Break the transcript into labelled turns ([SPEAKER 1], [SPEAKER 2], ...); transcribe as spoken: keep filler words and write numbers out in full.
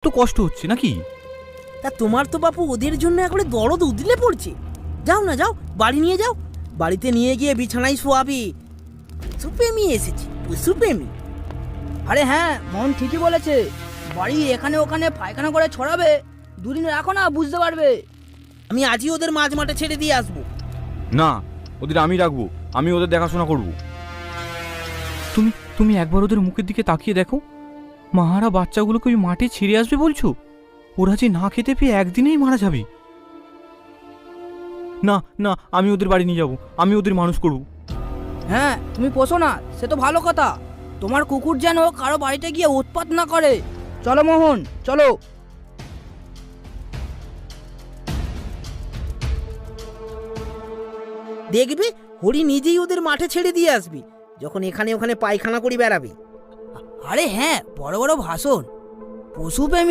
[SPEAKER 1] তো কষ্ট হচ্ছে নাকি?
[SPEAKER 2] তা তোমার তো বাপু ওদের জন্য একবারে দরদ উদলে পড়ছে। যাও না, যাও বাড়ি নিয়ে যাও, বাড়িতে নিয়ে গিয়ে বিছানায় শোয়াবি। সুপেমি এসেছে, সুপেমি।
[SPEAKER 3] আরে হ্যাঁ, মন ঠিকই বলেছে। বাড়ি এখানে ওখানে পায়খানা করে ছড়াবে, দুদিন রাখো না, বুঝতে পারবে।
[SPEAKER 2] আমি আজই ওদের মাঝ মাঠে ছেড়ে দিয়ে আসবো।
[SPEAKER 1] না, ওদের আমি রাখবো, আমি ওদের দেখাশোনা করব। তুমি তুমি একবার ওদের মুখের দিকে তাকিয়ে দেখো। মাহারা বাচ্চাগুলোকে ওই মাঠে ছেড়ে আসবে বলছো? ওরা যে না খেতে পেয়ে একদিনেই মারা যাবে। না না, আমি ওদের বাড়ি নিয়ে যাব, আমি ওদের মানুষ করব।
[SPEAKER 3] হ্যাঁ, তুমি পোষো না, সে তো ভালো কথা। তোমার কুকুর যেন কারো বাড়িতে গিয়ে উৎপাত না করে। চলো মোহন, চলো।
[SPEAKER 2] দেখবি হরি নিজেই ওদের মাঠে ছেড়ে দিয়ে আসবি, যখন এখানে ওখানে পায়খানা করে বেড়াবে।
[SPEAKER 3] আরে হ্যাঁ, বড় বড় ভাষণ। পশু